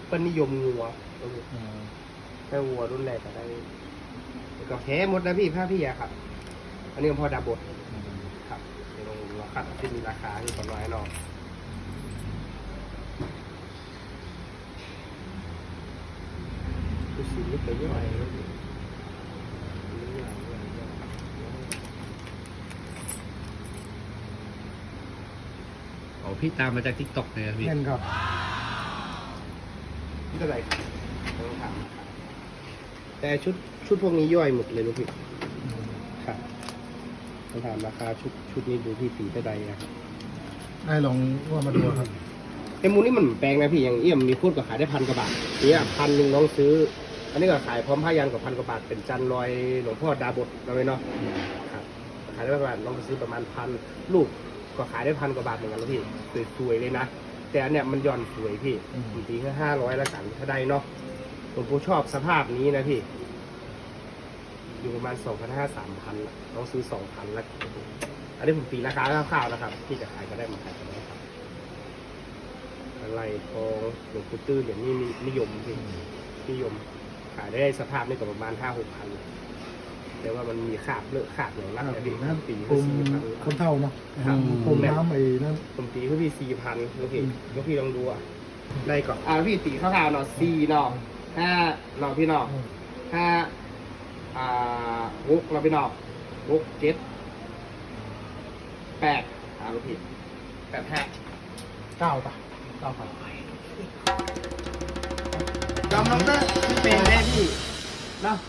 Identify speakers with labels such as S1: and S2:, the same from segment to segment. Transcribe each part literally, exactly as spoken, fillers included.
S1: เปิ้นนิยมงัวถ้าวัวรุ่นแรกก็ได้ก็แพ้หมดนะพี่ผ้าพี่อะครับอันนี้ก็พอดับบดครับเดี๋ยวเราคัดที่มีราคาที่ก่อนน้อยนอกดูสีนี่ไปย่อยแล้วดิ
S2: โอ้พี่ตามมาจากทิกตอกเลยครับพี่
S3: เงินครับ
S1: นี่เท่าไหร่ต้องถามแต่ชุดชุดพวกนี้ย่อยหมดเลยลูกพี่ครับต้องถามราคาชุดชุดนี้ดูที่สีเท่าไหร่ครับ
S3: ได้ลองว่ามาดูครับ
S1: ไอ้มูนี่มันแปลงนะพี่อย่างเอี่ยมมีพูดก็ขายได้พันกว่าบาทเนี่ยพันหนึ่งน้องซื้อ อันนี้ก็ขายพร้อมผ้ายันกับพันกว่าบาทเป็นจันลอยหลวงพ่อดาบดเราเลยเนาะครับขายได้ประมาณน้องซื้อประมาณพันลูกก็ขายได้พันกว่าบาทเหมือนกันแล้วพี่สวยๆเลยนะแต่อันเนี้ยมันย่อนสวยพี่บางทีแค่ห้าร้อยละกันถ้าได้เนาะผมผู้ชอบสภาพนี้นะพี่อยู่ประมาณสองพันห้าสามพันน้องซื้อสองพันแล้วอันนี้ผมตีราคาคร่าวๆนะครับที่จะขายก็ได้มาขายกันนะครับอะไรทองหลวงปู่ตื้อเหรียญนี่นิยมพี่นิยมขายได้สภาพนี่ก็ประมาณห้าหกพันแต่ว่ามันมีขาดเลอะขาดอย่างนั้นนะพี่
S3: นั่น
S1: ปี
S3: คุ
S1: ก็
S3: ม
S1: สี่พัน
S3: คนเท่าเนาะ
S1: ครับ
S3: คุมน้ำไอ้นั่น
S1: ผมตีเขาพี่สี่พันลูกพี่ลูกพี่ลองดูอ่ะได้ก่อนอ่าพี่ตีข้าวๆเนาะสี่เนาะห้าเนาะพี่เนาะห้าอ่าหกเราพี่เนาะหกเจ็ดแปดอ่าลูกพี่แปดห้า
S3: เก้าป่ะเก้าครับ
S1: จอมน้องเตอร์เป็นได้พี่เนาะ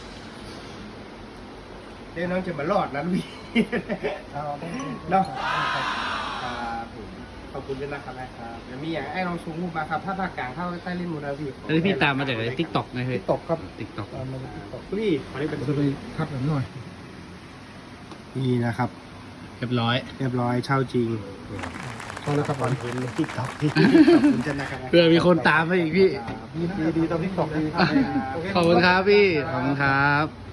S1: เดี๋ยวน้องจะมารอดนะลูกพี่
S3: เอา
S1: เนาะครับผมขอบคุณด้วยนะครับนะครับเดี๋ยวมีอย่างไอ้ลองชูรูปมาครับถ้าภาคกลางเข้าใต้เล่นมูนาพี่
S2: อันนี้พี่ตามมาจากทิกตอกนะพี่
S3: ตกครับ
S2: ทิกตอก
S3: ตามมาที่ตก
S1: พี่ขอนี้เป็น
S3: จะไปคัดหน่อย
S1: นี่นะครับ
S2: เรียบร้อย
S1: เรียบร้อยเช่าจริง
S3: พอแล้วครับก่อน
S1: เห็นติ๊กต็อกพี่ขอบคุณจันนะครับ
S2: เพื่อมีคนตามมาอีกพี่
S3: ดีนะดีตอนที่ตกดี
S2: ขอบคุณครับพี่ ขอบคุณครับ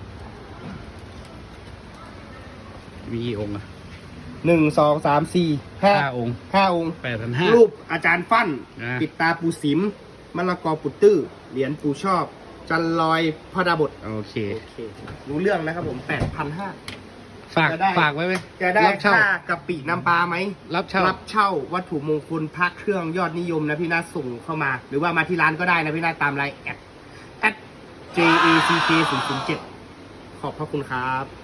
S2: มีกี่องค์อะ
S1: หนึ่งสองสามสี่ห้า
S2: ห้าองค์
S1: ห้าองค์
S2: แปดพันห้า
S1: รูปอาจารย์ฟั่น
S2: อ่า
S1: ปิดตาปูสิมมะละกอปุตตื้อเหรียญปูชอบ จันลอยพระดาบท
S2: โอเค
S1: โอเครู้เรื่องนะครับผมแปดพันห้า
S2: ฝาก
S1: จะได้
S2: ฝากไว้ไหม
S1: จะได้
S2: รับเช่า
S1: ค่ากะปิน้ำปลาไหม
S2: รับเช่า
S1: รับเช่าวัตถุมงคลพระเครื่องยอดนิยมนะพี่นาส่งเข้ามา หรือว่ามาที่ร้านก็ได้นะพี่นาตามไลน์แอด แอด เจ เอ ซี เค ศูนย์ ศูนย์ เจ็ด ขอบพระคุณครับ